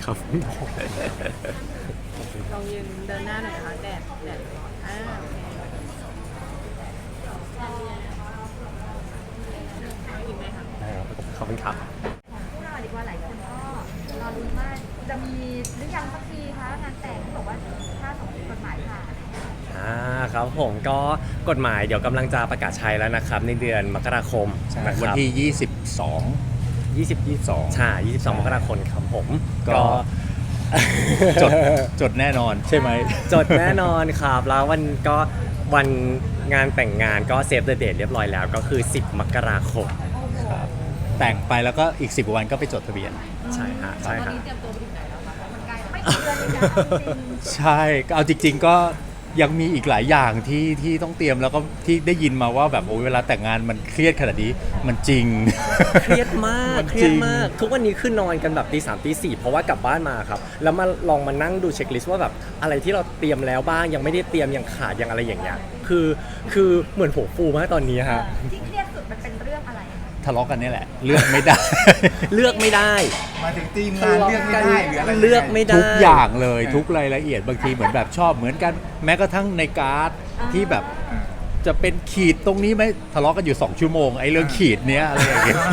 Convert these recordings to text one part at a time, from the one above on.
ครับลองยืนเดินหน้าหน่อยนะคะแดดร้อนโอเคกินไหมคะได้ครับขอบคุณครับพวกเราดีกว่าหลายคนก็รอลุ้นว่าจะมีหรือยังสักทีคะงานแต่งที่บอกว่าถ้าสมมติกฎหมายผ่านครับผมก็กฎหมายเดี๋ยวกำลังจะประกาศใช้แล้วนะครับในเดือนมกราคมนะควันรับที่ 22ใช่22 มกราคมครับผมก็ จดแน่นอนใช่ไหมจดแน่นอนครับแล้ววันงานแต่งงานก็เซฟเดอะเดทเรียบร้อยแล้วก็คือ10 มกราคมครับแต่งไปแล้วก็อีก10 วันก็ไปจดทะเบียนใช่ฮะใช่ตอนฮะนี้เตรียมตัวไปถึงไหนแล้วคะมันไกลไม่กี่เดือนเลยนะจริงใช่ก็เอาจริง ๆ ก็ยังมีอีกหลายอย่างที่ต้องเตรียมแล้วก็ที่ได้ยินมาว่าแบบโอ้ยเวลาแต่งงานมันเครียดขนาดนี้มันจริงเครียดมากมันเครียดมาก ทุกวันนี้คือนอนกันแบบตี 3 ตี 4เพราะว่ากลับบ้านมาครับแล้วมาลองมานั่งดูเช็คลิสต์ว่าแบบอะไรที่เราเตรียมแล้วบ้างยังไม่ได้เตรียมยังขาดยังอะไรอย่างเงี้ยคือเหมือนหัวฟูมากตอนนี้ฮะที่เครียดสุดมันเป็นเรื่องอะไรทะเลาะกันนี่แหละเลือกไม่ได้เลือกไม่ได้มาถึงทีมงานเลือกไม่ได้หรืออะไรเลือกไม่ได้ทุกอย่างเลยทุกรายละเอียดบางทีเหมือนแบบชอบเหมือนกันแม้กระทั่งในการ์ดที่แบบจะเป็นขีดตรงนี้ไหมทะเลาะกันอยู่2 ชั่วโมงไอ้เรื่องขีดเนี้ยอะไรอย่างเงี้ย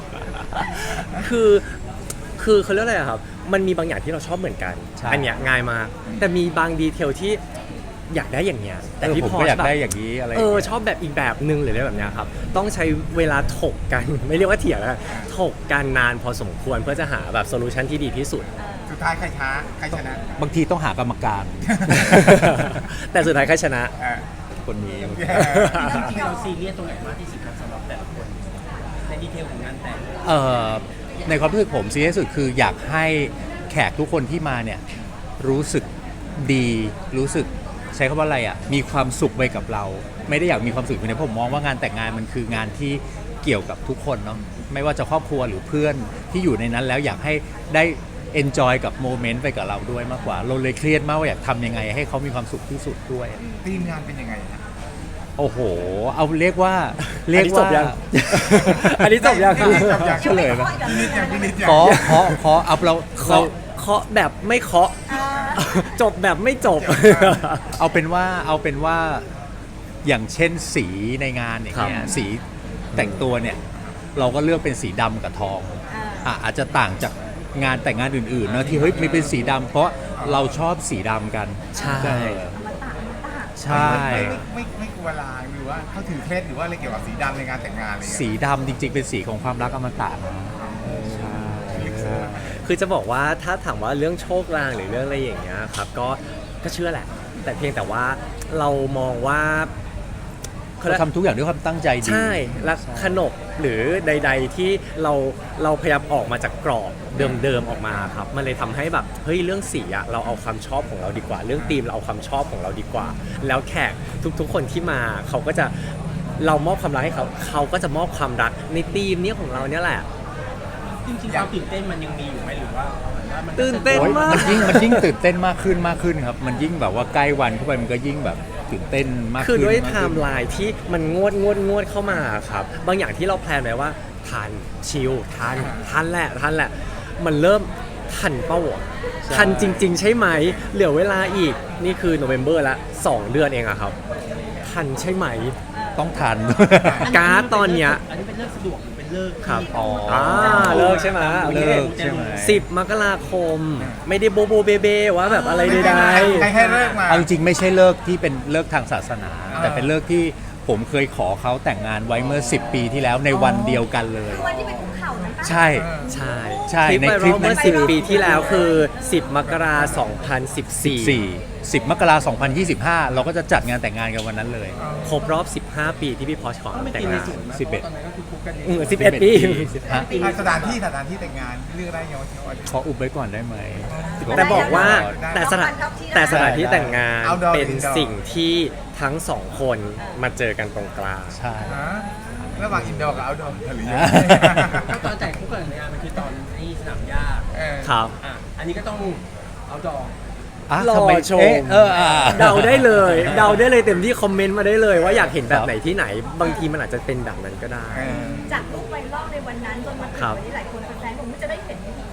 คือเขาเรียกอะไรอะครับมันมีบางอย่างที่เราชอบเหมือนกันใช่อันเนี้ยง่ายมากแต่มีบางดีเทลที่อยากได้อย่างเงี้ยแต่พี่ผมพอก็อยากแบบได้อย่างนี้อะไรอย่างเงี้ยชอบแบบอีกแบบนึงหรืออะไรแบบเนี้ยครับต้องใช้เวลาถกกัน ไม่เรียกว่าเถียงนะถกกันนานพอสมควรเพื่อจะหาแบบโซลูชันที่ดีที่สุดสุดท้ายใครช้าใครชนะบางทีต้องหากรรมการแต่สุดท้ายใครชนะเออคนนี้จริงๆเราซีเรียสตรงไหนมากที่สุดครับสำหรับแต่ละคนในดีเทลของงานแต่งในความรู้สึกผมซีเรียสสุดคืออยากให้แขกทุกคนที่มาเนี่ยรู้สึกดีรู้สึกใช้คำว่าอะไรอ่ะมีความสุขไปกับเรา ไม่ได้อยากมีความสุขอย่างเดียวผมมองว่างานแต่งงานมันคืองานที่เกี่ยวกับทุกคนเนาะไม่ว่าจะครอบครัวหรือเพื่อนที่อยู่ในนั้นแล้วอยากให้ได้ enjoy กับโมเมนต์ไปกับเราด้วยมากกว่าเราเลยเครียดมากว่าอยากทำยังไงให้เขามีความสุขที่สุดด้วยทีมงานเป็นยังไงนะโอ้โห เอาเรียกว่าอันนี้จบยัง อันนี้จบยังจบยังเฉลยไหมพินิจยังพินิจยังขอเอาเราเคาะแบบไม่เคาะ จบแบบไม่จบเอาเป็นว่าอย่างเช่นสีในงานอย่างเงี้คยรับสีแต่งตัวเนี่ยเราก็เลือกเป็นสีดำกับทองอาจจะต่างจากงานแต่งงานอื่นๆนะที่เฮ้ยไม่เป็นสีดำเพราะเราชอบสีดำกันใช่ใช่ไม่กลัวลางหรือว่าเขาถือเคล็ดหรือว่าอะไรเกี่ยวกับสีดำในงานแต่งงานอะไรอย่างสีเงี้ยดำจริงๆเป็นสีของความรักอมตะนะใช่คือจะบอกว่าถ้าถามว่าเรื่องโชคลางหรือเรื่องอะไรอย่างเงี้ยครับก็เชื่อแหละ แต่เพียงแต่ว่าเรามองว่าเราทำทุกอย่างด้วยความตั้งใจดีใช่และขนบหรือใด ๆที่เราพยายามออกมาจากกรอบเดิมๆออกมาครับมันเลยทำให้แบบเฮ้ยเรื่องสีอะเราเอาความชอบของเราดีกว่า เรื่องธีมเราเอาความชอบของเราดีกว่า แล้วแขกทุกๆคนที่มาเขาก็จะเรามอบความรักให้เขาก็จะมอบความรักในธีมเนี้ยของเราเนี่ยแหละจริงๆความตื่นเต้นมันยังมีอยู่ไหมหรือว่ามันตื่นเต้นโอ๊ยมากมันยิ่งตื่นเต้นมากขึ้นครับ มันยิ่งแบบว่าใกล้วันเข้าไปมันก็ยิ่งแบบตื่นเต้นมากขึ้นคือด้วยไทมากขึ้นม์ไลน์ที่มันงวดเข้ามาครับบางอย่างที่เราแพลนไว้ว่าทันชิลทันแหละมันเริ่มทันเป้าอะใช่ทันจริง ๆ ใช่ไหมเหลือเวลาอีกนี่คือโนเวม ber ละ2 เดือนเองอะครับทันใช่ไหมต้องทันการ์ดตอนเนี้ยอันนี้เป็นเลิกสะดวกหรือเป็นเลิกครับอ๋อเลิกใช่ไหมโอเคเลิกใช่ไหม 10 มกราคม ไม่ได้โบเบว่าแบบอะไรใดใครให้เลิกมาเอาจริงๆไม่ใช่เลิกที่เป็นเลิกทางศาสนา แต่เป็นเลิกที่ผมเคยขอเขาแต่งงานไว้เมื่อ10 ปีที่แล้วในวันเดียวกันเลยคือวันที่ไปคุกเข่านั้นปะใช่ๆ ใช่ใช่คลิปในไวคลิรัปลเมื่อนั้น 10 ปีที่แล้วคือ 10 มกราคม 2014 10 มกราคม 2025 เราก็จะจัดงานแต่งงานกันวันนั้นเลยครบรอบ 15 ปีที่พี่พอชขอก็ไม่แต่งตีในงานสูงนะ 11 เพราะตอนนั้นก็คือคุกกัน 11 ปีสถานที่แต่งงานเลือกได้ยังว่าขออุบไว้ก่อนได้ไหมแต่บอกว่าได้แต่สถานที่แต่งงาน Outdoor เป็น Indoor สิ่งที่ทั้งสองคนมาเจอกันตรงกลางใช่ฮะระหว่างอินดอร์กับเอาท์ดอร์หรือยังไงก็ตอนแต่งคุกกันในงานมันคือตอนที่สนามหญ้าเออครับอันนี้ก็ต้องเอาดอกอ่ะรอทำไมชม เดาได้เลยเต็มที่คอมเมนต์มาได้เลยว่าอยากเห็นแบบไหนที่ไหน บางทีมันอาจจะเป็นแบบนั้นก็ได้เออจากรูปไวรัลในวันนั้นจนมาถึงครับวันนี้หลายคนแฟนๆผมจะได้เห็นของจริง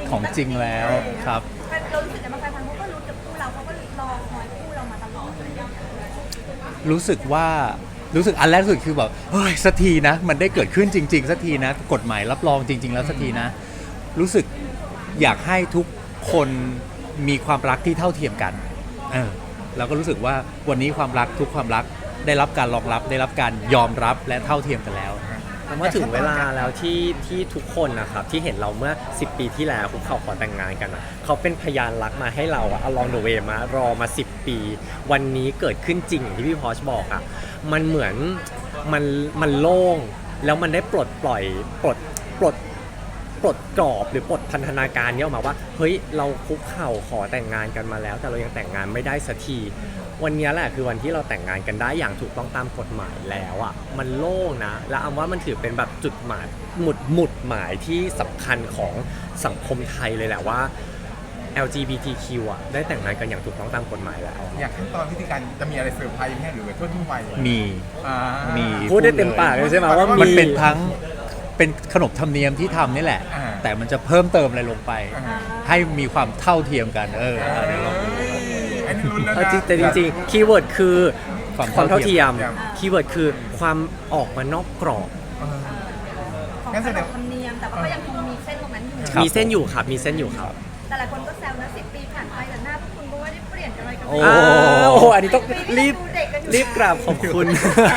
ของจริงแล้วครับเรารู้สึกแต่บางแฟนเขาก็รู้กับคู่เราเขาก็รอคอยคู่เรามาตลอดเลยรู้สึกอันแรกสุดคือแบบเฮ้ยสักทีนะ มันได้เกิดขึ้นจริงๆสักทีนะ กฎหมายรับรองจริง ๆ แล้วสักทีนะ รู้สึกอยากให้ทุกคนมีความรักที่เท่าเทียมกันแล้วก็รู้สึกว่าวันนี้ความรักทุกความรักได้รับการรองรับได้รับการยอมรับและเท่าเทียมกันแล้วแต่ว่าถึงเวลาแล้วที่ทุกคนนะครับที่เห็นเราเมื่อ 10 ปีที่แล้วคุกเข่าขอแต่งงานกันอะเขาเป็นพยานรักมาให้เราอะ along the way มารอมา 10 ปี วันนี้เกิดขึ้นจริงอย่างที่พี่พอชบอกอะมันเหมือนมันโล่งแล้วมันได้ปลดปล่อยปลดกรอบหรือปลดพันธนาการนี้ออกมาว่าเฮ้ยเราคุกเข่าขอแต่งงานกันมาแล้ว แต่เรายังแต่งงานไม่ได้สักทีวันนี้แหละคือวันที่เราแต่งงานกันได้อย่างถูกต้องตามกฎหมายแล้วอ่ะมันโล่งนะและอำว่ามันถือเป็นแบบจุดหมายหมุดหมายที่สำคัญของสังคมไทยเลยแหละว่า LGBTQ อ่ะได้แต่งงานกันอย่างถูกต้องตามกฎหมายแล้วอยากขั้นตอนวิธีการจะมีอะไรเซอร์ไพรส์ไหมหรือว่าทั่วๆไปมีอ่ามีพูดได้เต็มปากเลยใช่ไหมว่ามันมีเป็นทั้งเป็นขนบธรรมเนียมที่ทำนี่แหละอ่าแต่มันจะเพิ่มเติมอะไรลงไปอ่าให้มีความเท่าเทียมกันเดี๋ยวลองดูอันนี้ลุ้นแล้วเอานะจริงแต่จริงๆคีย์เวิร์ดคือความเท่าเทียมคีย์เวิร์ดคือความออกมานอกกรอบของงั้นขแสนดงบธรรมเนียมแต่ว่าก็ยังคงมีเส้นตรงนั้นอยู่ครับมีเส้นอยู่ครับมีเส้นอยู่ครับแต่หลายคนก็แซวนะ10 ปีผ่านไปแต่หน้าพวกคุณก็ไม่ได้เปลี่ยนอะไรกันโอ้เลยโหอันนี้ต้องรีบดูเด็กกันอยู่รีบกราบขอบคุณ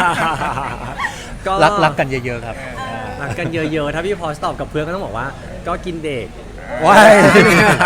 รักกันเยอะๆครับรักกันเยอะๆถ้าพี่พอสตอบกับเพื่อนก็ต้องบอกว่า ก็กินเด็กว้ายนี่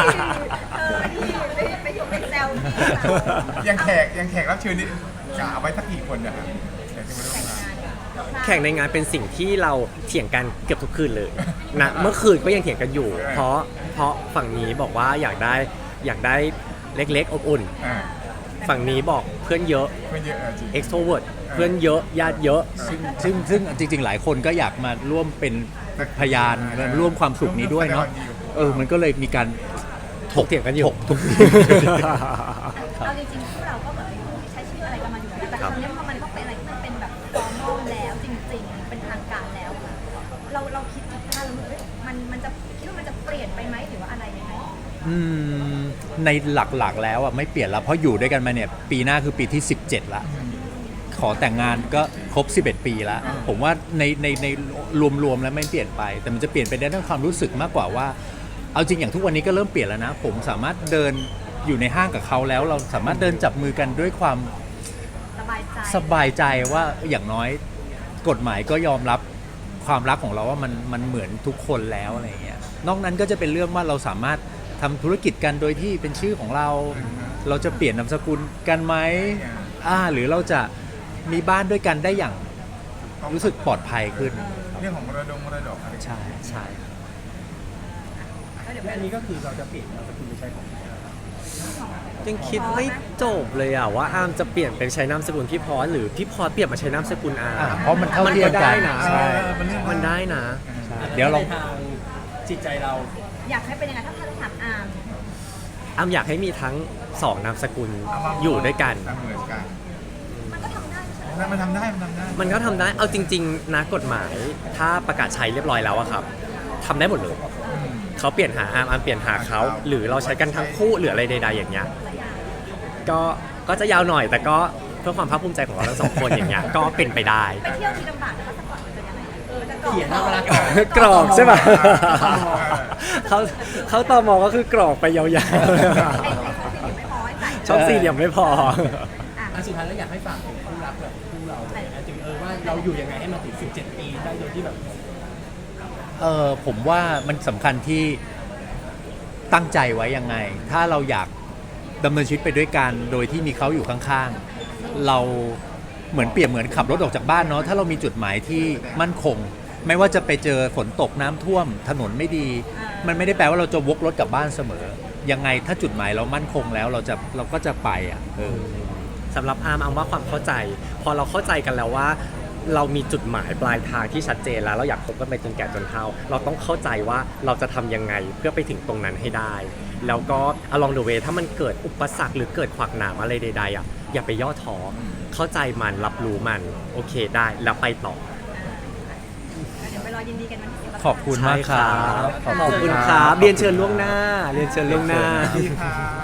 ไปอยู่ในแซวนี่ยังแขกรับเชิญนี่กะเอาไว้สักกี่คนนะครับอยากจะมาร่วมงานแข่งในงานเป็นสิ่งที่เราเถียงกันเกือบทุกคืนเลยนะเมื่อคืนก็ยังเถียงกันอยู่ เพราะฝั่งนี้บอกว่าอยากได้เล็กๆอบอุ่นอ่าฝั่งนี้บอกเพื่อนเยอะเพื่อนเยอะจริง extrovert เพื่อนเยอะญาติเยอะซึ่งจริงๆ หลายคนก็อยากมาร่วมเป็นพยานร่วมความสุขนี้ด้วยเนาะมันก็เลยมีการถกเถียงกันอยู่ทุกเอาจริงๆพวกเราก็เหมือนเป็นผู้ที่ใช้ชีวิตอะไรกันมาอยู่แล้วแต่ครั้งนี้พอมันต้องเป็นอะไรที่มันเป็นแบบฟอร์มอลแล้วจริงๆ เป็นทางการแล้ว เราคิดถึงถ้าเรามันจะคิดว่ามันจะเปลี่ยนไปไหมหรือว่าอะไรยังไงในหลักๆแล้วอ่ะไม่เปลี่ยนแล้วเพราะอยู่ด้วยกันมาเนี่ยปีหน้าคือปีที่ 17 ละ ขอแต่งงานก็ครบ 11 ปีแล้ว ผมว่าในรวมๆแล้วไม่เปลี่ยนไป แต่มันจะเปลี่ยนไปในด้านความรู้สึกมากกว่าว่า เอาจริงอย่างทุกวันนี้ก็เริ่มเปลี่ยนแล้วนะ ผมสามารถเดินอยู่ในห้างกับเขาแล้ว เราสามารถเดินจับมือกันด้วยความสบายใจสบายใจว่าอย่างน้อยกฎหมายก็ยอมรับความรักของเราว่ามันเหมือนทุกคนแล้วอะไรอย่างเงี้ยนอกนั้นก็จะเป็นเรื่องว่าเราสามารถทำธุรกิจกันโดยที่เป็นชื่อของเรา เราจะเปลี่ยนนามสกุลกันไหมหรือเราจะมีบ้านด้วยกันได้อย่างรู้สึกปลอดภัยขึ้นเรื่องของมรดกอะไรใช่ใช่และอันนี้ก็คือเราจะเปลี่ยนนามสกุลไปใช้ของยังคิดไม่จบเลยอ่ะว่าอาร์มจะเปลี่ยนเป็นใช้นามสกุลพี่พอสหรือพี่พอสเปลี่ยนมาใช้นามสกุลอาร์มเพราะมันเท่าเทียมกันมันก็ได้นะใช่มันได้นะเดี๋ยวเราในทางจิตใจเราอยากให้เป็นยังไงถ้าถามอาร์มอาร์มอยากให้มีทั้งสองนามสกุลอยู่ด้วยกันเหมือนกันมันก็ทำได้ไม่ใช่เหรอมันทำได้มันก็ทำได้ เอาจริงๆนะกฎหมายถ้าประกาศใช้เรียบร้อยแล้วอะครับทำได้หมดเลย เขาเปลี่ยนหาอาร์มอาร์มเปลี่ยนหาเขาหรือเราใช้กันทั้งคู่หรืออะไรใดๆอย่างเงี้ยก็จะยาวหน่อยแต่ก็เพื่อความภาคภูมิใจของเราทั้งสองคนอย่างเงี้ยก็เป็นไปได้ไปเที่ยวทีลำบากแต่ว่าสปอร์ตมันจะยังไงจะกรอกเขียนเอาเวลากรอกใช่ป่ะเขาตอมอก็คือกรอกไปยาวไอ้ข้อสี่ไม่พอให้ใส่ๆช่องสี่เหลี่ยมไม่พออันสุดท้ายแล้วอยากให้ฝากถึงคู่รักแบบคู่เราเลยนะถึงว่าเราอยู่ยังไงให้มันถึง 17 ปีได้โดยที่แบบผมว่ามันสำคัญที่ตั้งใจไว้ยังไง ถ้าเราอยากดำเนินชีวิตไปด้วยกันโดยที่มีเขาอยู่ข้างๆ เราเหมือนเปรียบเหมือนขับรถออกจากบ้านเนาะถ้าเรามีจุดหมายที่มั่นคง ไม่ว่าจะไปเจอฝนตกน้ำท่วมถนนไม่ดี มันไม่ได้แปลว่าเราจะวกรถกลับบ้านเสมอ ยังไงถ้าจุดหมายเรามั่นคงแล้วเราก็จะไปสำหรับอาร์มว่าความเข้าใจ พอเราเข้าใจกันแล้วว่า เรามีจุดหมายปลายทางที่ชัดเจนแล้วเราอยากคบกันไปจนแก่จนเฒ่าเราต้องเข้าใจว่าเราจะทำยังไงเพื่อไปถึงตรงนั้นให้ได้ แล้วก็ along the way ถ้ามันเกิดอุปสรรคหรือเกิดขวากหนามอะไรใดๆอย่าไปย่อท้อเข้าใจมันรับรู้มันโอเคได้แล้วไปต่อเดี๋ยวไปรอยินดีกันวันที่10 ขอบคุณมากครับขอบคุณครับเรียนเชิญล่วงหน้า เรียนเชิญล่วงหน้าสวัสดีค่ะ